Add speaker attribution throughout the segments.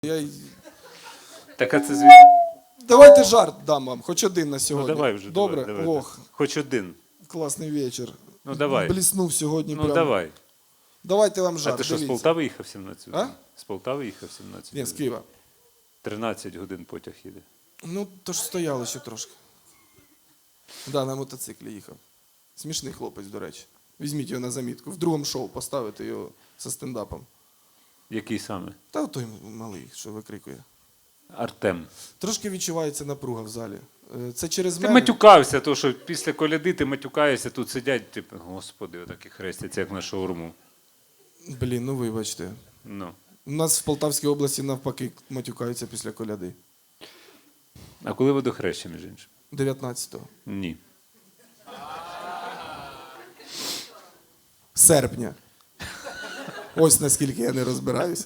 Speaker 1: Я...
Speaker 2: Так, а це звідки?
Speaker 1: Давайте жарт дам вам, хоч один на сьогодні.
Speaker 2: Ну давай вже.
Speaker 1: Добре?
Speaker 2: Давай.
Speaker 1: Ох,
Speaker 2: Хоч один.
Speaker 1: класний вечір.
Speaker 2: Ну давай.
Speaker 1: Бліснув сьогодні
Speaker 2: Ну
Speaker 1: прям.
Speaker 2: давай.
Speaker 1: Давайте вам жарт,
Speaker 2: А ти що, з
Speaker 1: дивіться.
Speaker 2: Полтави їхав 17?
Speaker 1: А?
Speaker 2: З Полтави їхав 17?
Speaker 1: Ні, з Києва.
Speaker 2: 13 годин потяг їде.
Speaker 1: Ну, то ж стояли ще трошки. Да, на мотоциклі їхав. Смішний хлопець, до речі. Візьміть його на замітку. В другому шоу поставити його зі стендапом.
Speaker 2: Який саме?
Speaker 1: Та той малий, що викрикує.
Speaker 2: Артем.
Speaker 1: Трошки відчувається напруга в залі. Це через
Speaker 2: Ти
Speaker 1: мене.
Speaker 2: матюкався, то що після коляди ти матюкаєшся, тут сидять, типу, господи, отакі хрестяться, як на шаурму.
Speaker 1: Блін, ну вибачте.
Speaker 2: Ну.
Speaker 1: У нас в Полтавській області навпаки матюкаються після коляди.
Speaker 2: А коли водохреща, між іншим?
Speaker 1: 19-го.
Speaker 2: Ні.
Speaker 1: Серпня. Ось наскільки я не розбираюсь.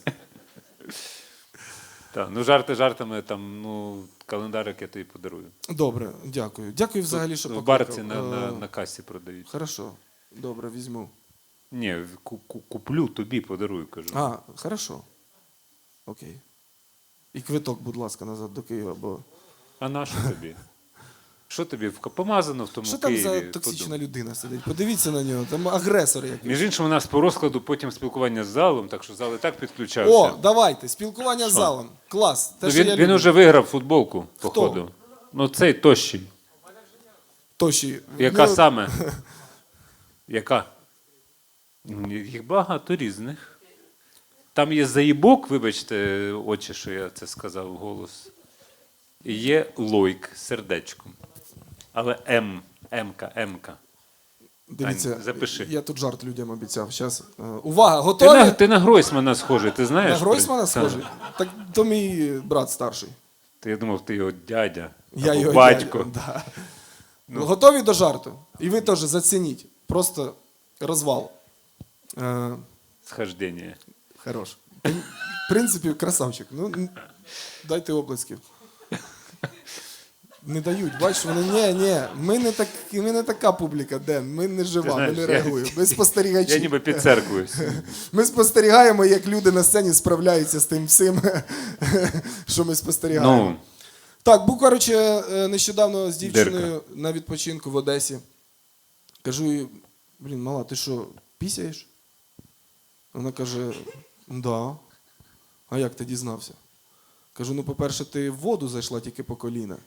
Speaker 2: Так, ну жарти жартами, там, ну, календарик я тобі подарую.
Speaker 1: Добре, дякую. Дякую взагалі, що
Speaker 2: В
Speaker 1: покликав.
Speaker 2: барці на касі продають.
Speaker 1: Хорошо. Добре, візьму.
Speaker 2: Ні, куплю, тобі подарую, кажу.
Speaker 1: А, хорошо. Окей. І квиток, будь ласка, назад до Києва, бо...
Speaker 2: А на що тобі? Що тобі помазано в тому
Speaker 1: Що там
Speaker 2: Києві?
Speaker 1: за токсична людина сидить? Подивіться на нього, там агресор якийсь.
Speaker 2: Між іншим, у нас по розкладу потім спілкування з залом, так що зал і так підключався.
Speaker 1: О, давайте, спілкування з залом. Клас. Те,
Speaker 2: Ну,
Speaker 1: що я
Speaker 2: він
Speaker 1: люблю.
Speaker 2: уже виграв футболку,
Speaker 1: Хто?
Speaker 2: походу. Ну, цей тощий.
Speaker 1: Тощі.
Speaker 2: Яка
Speaker 1: Ну,
Speaker 2: саме? Яка? Їх багато різних. Там є заїбок, вибачте, очі, що я це сказав вголос. І є лойк з сердечком. Але М-ка.
Speaker 1: Дивіться,
Speaker 2: Тань, запиши.
Speaker 1: я тут жарт людям обіцяв. Щас. Увага, готові?
Speaker 2: Ти на Гройсмана схожий, ти знаєш?
Speaker 1: На Гройсмана
Speaker 2: Та.
Speaker 1: схожий? Так то мій брат старший.
Speaker 2: Я думав, ти його дядя.
Speaker 1: Я
Speaker 2: або
Speaker 1: його
Speaker 2: батько.
Speaker 1: дядя, да. Готові до жарту? І ви теж зацініть. Просто розвал.
Speaker 2: Схождення.
Speaker 1: Хорош. В принципі, красавчик. Ну, дайте оплесків. Не дають, бачиш, вони, ні, ми не така публіка, Ден, ми не жива,
Speaker 2: знаєш,
Speaker 1: ми не реагуємо, ми спостерігачі.
Speaker 2: Я ніби під церквою.
Speaker 1: Ми спостерігаємо, як люди на сцені справляються з тим всім, що ми спостерігаємо.
Speaker 2: Ну,
Speaker 1: Так, був, коротше, нещодавно з дівчиною на відпочинку в Одесі. Кажу їй, блін, мала, ти що, пісяєш? Вона каже, да. А як ти дізнався? Кажу, ну, по-перше, ти в воду зайшла тільки по коліна.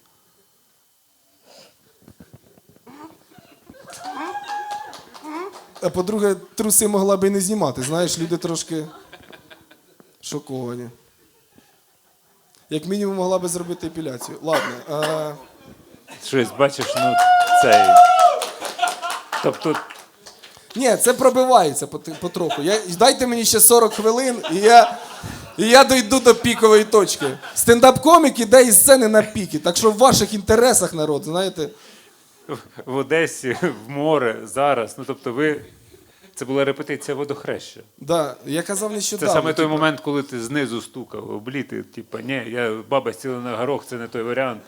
Speaker 1: А по-друге, труси могла би і не знімати. Знаєш, люди трошки шоковані. Як мінімум могла би зробити епіляцію. Ладно.
Speaker 2: щось, бачиш, ну, цей. Тобто,
Speaker 1: Ні, це пробивається потроху. Дайте мені ще 40 хвилин, і я дойду до пікової точки. Стендап-комік іде із сцени на піки. Так що в ваших інтересах, народ, знаєте.
Speaker 2: в Одесі, в море, зараз. Ну, тобто ви... Це була репетиція водохреща.
Speaker 1: Да, я казав
Speaker 2: Це
Speaker 1: нещодавно.
Speaker 2: саме той момент, коли ти знизу стукав, обліти, типу, ні, баба сіла на горох, це не той варіант.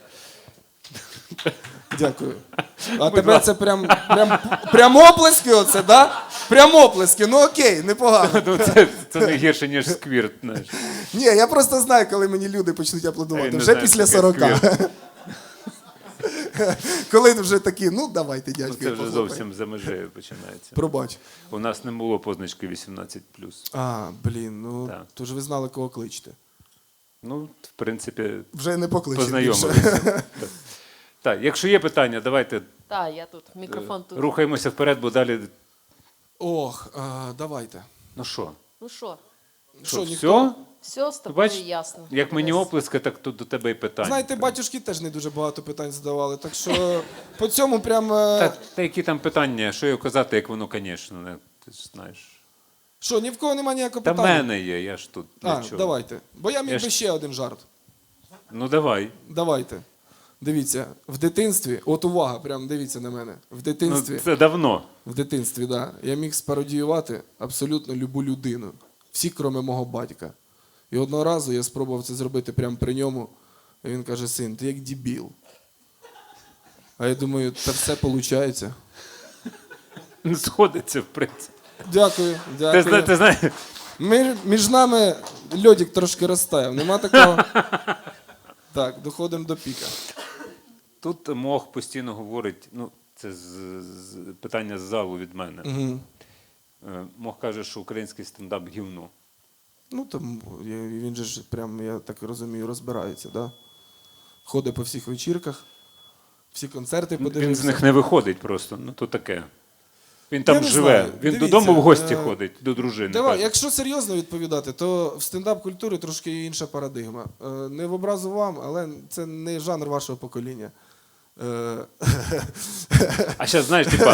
Speaker 1: Дякую. А тебе це прям оплески оце, да? Прям оплески, ну окей, непогано.
Speaker 2: Ну, це не гірше, ніж сквірт, знаєш.
Speaker 1: Ні, я просто знаю, коли мені люди почнуть аплодувати.
Speaker 2: Я не
Speaker 1: Вже
Speaker 2: знаю,
Speaker 1: після
Speaker 2: що таке
Speaker 1: 40. Коли вже такі, ну давайте, дядько.
Speaker 2: Це вже зовсім за межею починається.
Speaker 1: Пробач.
Speaker 2: У нас не було позначки 18+.
Speaker 1: А, блін, ну,
Speaker 2: Так.
Speaker 1: то ж ви знали, кого кличете.
Speaker 2: Ну, в принципі,
Speaker 1: Вже не покличете більше.
Speaker 2: познайомилися. Так, якщо є питання, давайте
Speaker 3: Так, я тут, мікрофон тут.
Speaker 2: рухаємося вперед, бо далі...
Speaker 1: Ох, давайте.
Speaker 2: Ну що?
Speaker 3: Ну що,
Speaker 1: Що,
Speaker 2: Все?
Speaker 3: все з тобою
Speaker 2: Бач,
Speaker 3: ясно.
Speaker 2: як мені
Speaker 3: Олесь.
Speaker 2: оплески, так тут до тебе і питання.
Speaker 1: Знаєте, батюшки теж не дуже багато питань задавали, так що по цьому прям...
Speaker 2: Та які там питання, що його казати, як воно, звісно, не, ти ж знаєш.
Speaker 1: Що, ні в кого немає ніякого
Speaker 2: Та в
Speaker 1: питання?
Speaker 2: мене є, я ж тут для
Speaker 1: А,
Speaker 2: чого.
Speaker 1: давайте. Бо я міг
Speaker 2: Я
Speaker 1: би
Speaker 2: ж-
Speaker 1: ще один жарт.
Speaker 2: Ну давай.
Speaker 1: Давайте. Дивіться, в дитинстві, от увага, прям дивіться на мене. В
Speaker 2: Ну,
Speaker 1: дитинстві,
Speaker 2: це давно.
Speaker 1: да, я міг спародіювати абсолютно любу людину. Всі, кроме мого батька. І одного разу я спробував це зробити прямо при ньому. І він каже, син, ти як дебіл. А я думаю, та все виходить.
Speaker 2: Сходиться, в принципі.
Speaker 1: Дякую, дякую.
Speaker 2: Ти знаєш,
Speaker 1: Між нами льодик трошки розтаяв, нема такого. Так, доходимо до піка.
Speaker 2: Тут Мох постійно говорить, ну, це питання з залу від мене.
Speaker 1: Угу.
Speaker 2: Мох каже, що український стендап гівно.
Speaker 1: Ну там він же ж прям, я так розумію, розбирається, да? Ходить по всіх вечірках, всі концерти подивився.
Speaker 2: Він з них не виходить просто, ну то таке. Він там
Speaker 1: Я не
Speaker 2: живе,
Speaker 1: знаю.
Speaker 2: він
Speaker 1: Дивіться,
Speaker 2: додому в гості ходить, до дружини.
Speaker 1: Давай,
Speaker 2: каже.
Speaker 1: якщо серйозно відповідати, то в стендап-культурі трошки інша парадигма. Не в образу вам, але це не жанр вашого покоління.
Speaker 2: А зараз, знаєш, типа,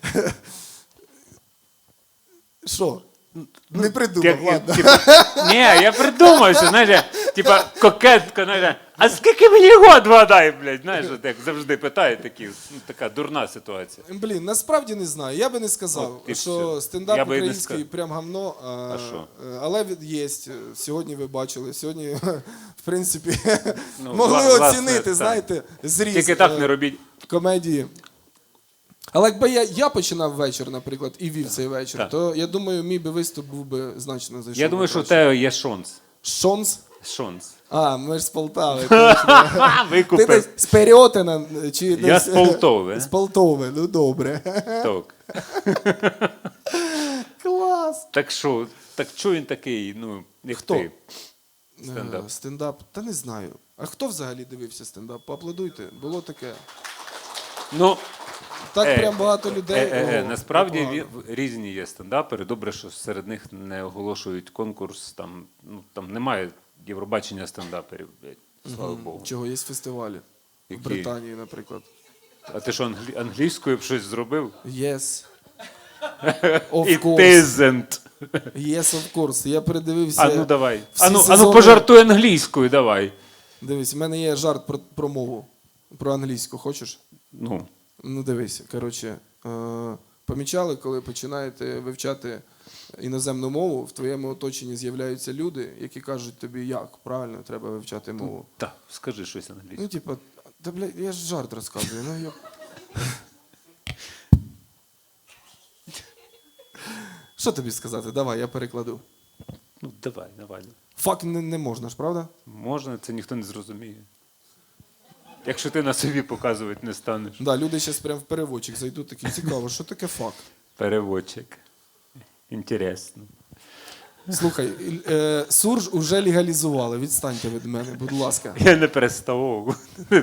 Speaker 1: Що? Не придумав, ладно.
Speaker 2: ні, я придумав, що, знаєш, типа кокетка, знаєш, а скільки мені год вгадай, блядь, знаєш, от як завжди питають такі, ну, така дурна ситуація.
Speaker 1: Блін, насправді не знаю. Я би не сказав,
Speaker 2: От, і
Speaker 1: що
Speaker 2: все.
Speaker 1: стендап
Speaker 2: Я би і не
Speaker 1: український
Speaker 2: сказав.
Speaker 1: прям гамно.
Speaker 2: А що?
Speaker 1: Але є. Сьогодні ви бачили. Сьогодні, в принципі,
Speaker 2: Ну,
Speaker 1: могли
Speaker 2: власне,
Speaker 1: оцінити,
Speaker 2: так.
Speaker 1: знаєте, зріз
Speaker 2: Тільки так не робіть.
Speaker 1: комедії. Але якби я починав вечір, наприклад, і вів цей вечір,
Speaker 2: Так.
Speaker 1: то я думаю, мій би виступ був би значно зайшов.
Speaker 2: Я
Speaker 1: би
Speaker 2: думаю, що в
Speaker 1: краще.
Speaker 2: тебе є шанс.
Speaker 1: Шонс?
Speaker 2: Шанс.
Speaker 1: А, ми ж з Полтави. точно. Ти
Speaker 2: Викупив.
Speaker 1: десь з Переотина, чи
Speaker 2: Я
Speaker 1: десь...
Speaker 2: з Полтави.
Speaker 1: З Полтави, ну добре.
Speaker 2: Так.
Speaker 1: Клас.
Speaker 2: Так що він такий, ну, як
Speaker 1: Хто?
Speaker 2: ти? Стендап.
Speaker 1: Стендап? Та не знаю. А хто взагалі дивився стендап? Поаплодуйте. Було таке.
Speaker 2: Ну,
Speaker 1: Так прям багато людей. О,
Speaker 2: насправді
Speaker 1: непогано.
Speaker 2: різні є стендапери. Добре, що серед них не оголошують конкурс. Там немає Євробачення стендаперів, блядь, слава Богу.
Speaker 1: Чого є фестивалі?
Speaker 2: Які?
Speaker 1: В Британії, наприклад.
Speaker 2: А ти що, англійською б щось зробив?
Speaker 1: Yes. Of
Speaker 2: It
Speaker 1: course.
Speaker 2: isn't.
Speaker 1: Yes, of course. Я передивився.
Speaker 2: А ну давай.
Speaker 1: всі
Speaker 2: А ну
Speaker 1: сезони.
Speaker 2: пожартуй англійською, давай.
Speaker 1: Дивись, в мене є жарт про мову. Про англійську. Хочеш?
Speaker 2: Ну,
Speaker 1: Ну дивись, коротше, помічали, коли починаєте вивчати іноземну мову, в твоєму оточенні з'являються люди, які кажуть тобі, як правильно треба вивчати мову.
Speaker 2: так, скажи щось англійською.
Speaker 1: Ну, типа, та бля, я ж жарт розказую. Ну, я... Що тобі сказати? Давай, я перекладу.
Speaker 2: Ну, давай.
Speaker 1: Фак не можна ж, правда?
Speaker 2: Можна, це ніхто не зрозуміє. Якщо ти на собі показувати не станеш.
Speaker 1: Да, люди зараз прям в переводчик зайдуть, такі цікаво, що таке фак?
Speaker 2: Переводчик. Інтересно.
Speaker 1: Слухай, сурж уже легалізували, відстаньте від мене, будь ласка.
Speaker 2: Я не переставав.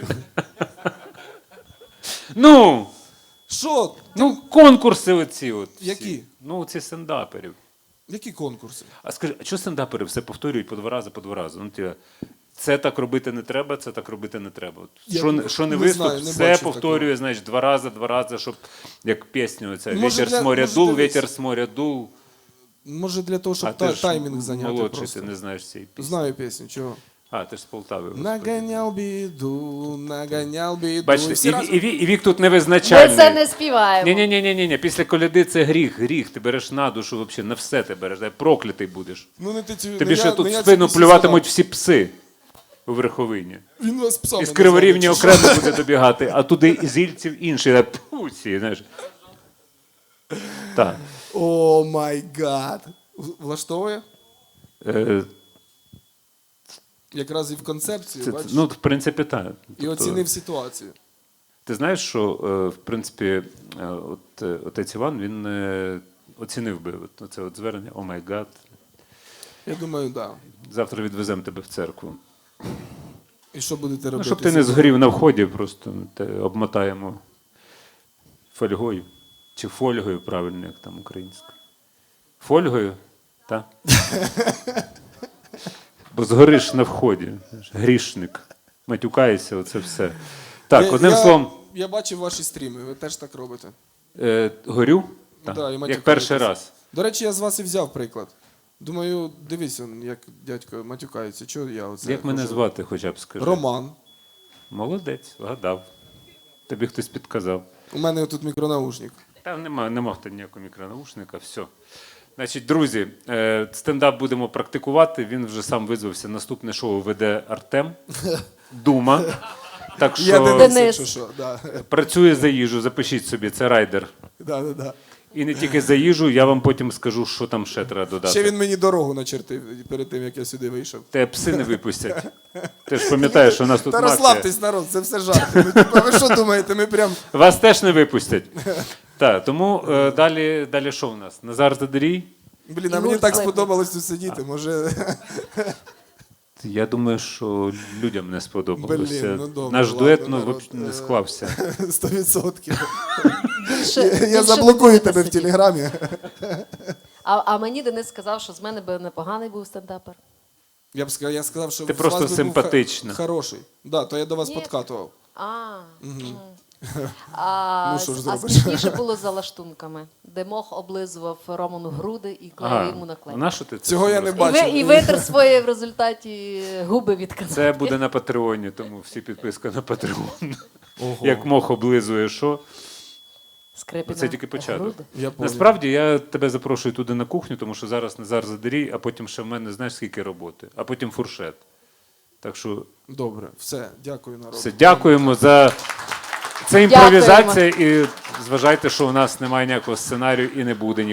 Speaker 2: Ну,
Speaker 1: Що?
Speaker 2: конкурси оці от. всі.
Speaker 1: Які?
Speaker 2: Ну, ці стендаперів.
Speaker 1: Які конкурси?
Speaker 2: А скажи, а чого стендапери все повторюють по два рази? Ну, це так робити не треба, це так робити не треба. От
Speaker 1: Я
Speaker 2: що не
Speaker 1: не
Speaker 2: виступ,
Speaker 1: знаю, не
Speaker 2: все
Speaker 1: бачив
Speaker 2: повторює, значить, два рази, щоб як пісню оця.
Speaker 1: Може,
Speaker 2: Вітер з моря
Speaker 1: може,
Speaker 2: дул,
Speaker 1: дивись.
Speaker 2: вітер з моря дул.
Speaker 1: Може для того,
Speaker 2: А
Speaker 1: щоб
Speaker 2: ти ж
Speaker 1: таймінг зайняти
Speaker 2: молодший,
Speaker 1: просто.
Speaker 2: ти не знаєш цієї пісні.
Speaker 1: Знаю пісню, чого?
Speaker 2: А, ти ж з Полтави. господи.
Speaker 1: Наганяв біду.
Speaker 2: Бачите,
Speaker 1: Всі разом.
Speaker 2: і вік тут
Speaker 3: Ми
Speaker 2: невизначальний.
Speaker 3: це не співаємо.
Speaker 2: Ні. Після коляди це гріх. Ти береш на душу, взагалі, на все ти береш. Проклятий будеш.
Speaker 1: Ну, не ти цю-
Speaker 2: Тобі
Speaker 1: не
Speaker 2: ще
Speaker 1: я-
Speaker 2: тут
Speaker 1: не я
Speaker 2: в спину
Speaker 1: цю пісню
Speaker 2: плюватимуть
Speaker 1: згадав.
Speaker 2: всі пси у верховині.
Speaker 1: Він вас псами
Speaker 2: І з
Speaker 1: назвав,
Speaker 2: Криворівні
Speaker 1: якщо
Speaker 2: окремо
Speaker 1: що.
Speaker 2: буде добігати, а туди із Ільців інший. Пуці, знаєш. Так.
Speaker 1: О май гад. Влаштовує?
Speaker 2: Е,
Speaker 1: Якраз і в концепцію,
Speaker 2: це,
Speaker 1: бачиш?
Speaker 2: ну, в принципі, так.
Speaker 1: І оцінив ситуацію.
Speaker 2: Ти знаєш, що, в принципі, отець Іван, він оцінив би це от звернення «О май гад».
Speaker 1: Я думаю, так. Да.
Speaker 2: Завтра відвеземо тебе в церкву.
Speaker 1: І що будете робити?
Speaker 2: Ну, щоб ти не згорів на вході, просто те обмотаємо фольгою. Чи фольгою, правильно, як там українською. Фольгою? Так? Бо згориш на вході. Грішник. Матюкаєшся, оце все. Так, одним словом,
Speaker 1: Я бачив ваші стріми, ви теж так робите.
Speaker 2: горю, так,
Speaker 1: Да, і
Speaker 2: як
Speaker 1: матюкаєтесь.
Speaker 2: перший раз.
Speaker 1: До речі, я з вас і взяв приклад. Думаю, дивись, он, як дядько матюкається. Чого я оце
Speaker 2: Як мене
Speaker 1: хожу?
Speaker 2: звати, хоча б скажи?
Speaker 1: Роман.
Speaker 2: Молодець, вгадав. Тобі хтось підказав.
Speaker 1: У мене тут мікронаушник.
Speaker 2: Та нема в тебе ніякого мікронаушника, все. Значить, друзі, стендап будемо практикувати. Він вже сам визвався. Наступне шоу веде Артем Дума. Так
Speaker 1: Я
Speaker 2: що
Speaker 1: Денис,
Speaker 3: Денис.
Speaker 1: якщо що. Да.
Speaker 2: працює за їжу, запишіть собі, це райдер.
Speaker 1: Да.
Speaker 2: І не тільки за їжу, я вам потім скажу, що там ще треба додати.
Speaker 1: Ще він мені дорогу начертив перед тим, як я сюди вийшов.
Speaker 2: Те пси не випустять. Ти ж пам'ятаєш, що у нас тут
Speaker 1: Та
Speaker 2: мафія.
Speaker 1: розслабтесь, народ, це все жарти. Ну, типа, ви що думаєте, ми прям...
Speaker 2: Вас теж не випустять. Так, тому далі що у нас? Назар Задарій?
Speaker 1: Блін, а
Speaker 3: І
Speaker 1: мені
Speaker 3: гурт
Speaker 1: так
Speaker 3: Лейбниц.
Speaker 1: сподобалось тут сидіти, може...
Speaker 2: Я думаю, що людям не сподобалося.
Speaker 1: Блін, ну добре,
Speaker 2: Наш
Speaker 1: ладно,
Speaker 2: дует
Speaker 1: народ,
Speaker 2: не склався.
Speaker 1: 100%.
Speaker 3: Більше
Speaker 1: Я заблокую тебе в Телеграмі.
Speaker 3: А мені Денис сказав, що з мене би непоганий був стендапер.
Speaker 1: Я сказав, що
Speaker 2: Ти
Speaker 1: з
Speaker 2: просто
Speaker 1: вас би був
Speaker 2: симпатична.
Speaker 1: Хороший. Да, то я до вас
Speaker 3: Ні.
Speaker 1: подкатував. Ну, що ж
Speaker 3: А
Speaker 1: зробиш?
Speaker 3: смішніше було за лаштунками, де мох облизував Роману груди і клеїв йому на клей.
Speaker 2: на що ти це
Speaker 1: Цього я не
Speaker 2: розказуєш?
Speaker 1: бачив.
Speaker 3: І витер свої в результаті губи від канапки.
Speaker 2: Це буде на Патреоні, тому всі підписка на Патреон. Як мох облизує, що?
Speaker 3: Скрипіна
Speaker 2: Це тільки початок.
Speaker 3: груди.
Speaker 1: Я понял.
Speaker 2: Насправді я тебе запрошую туди на кухню, тому що зараз Назар Задарій, а потім ще в мене знаєш скільки роботи, а потім фуршет. Так що
Speaker 1: Добре, все, дякую, народ.
Speaker 2: все, дякуємо за це імпровізація і зважайте, що у нас немає ніякого сценарію і не буде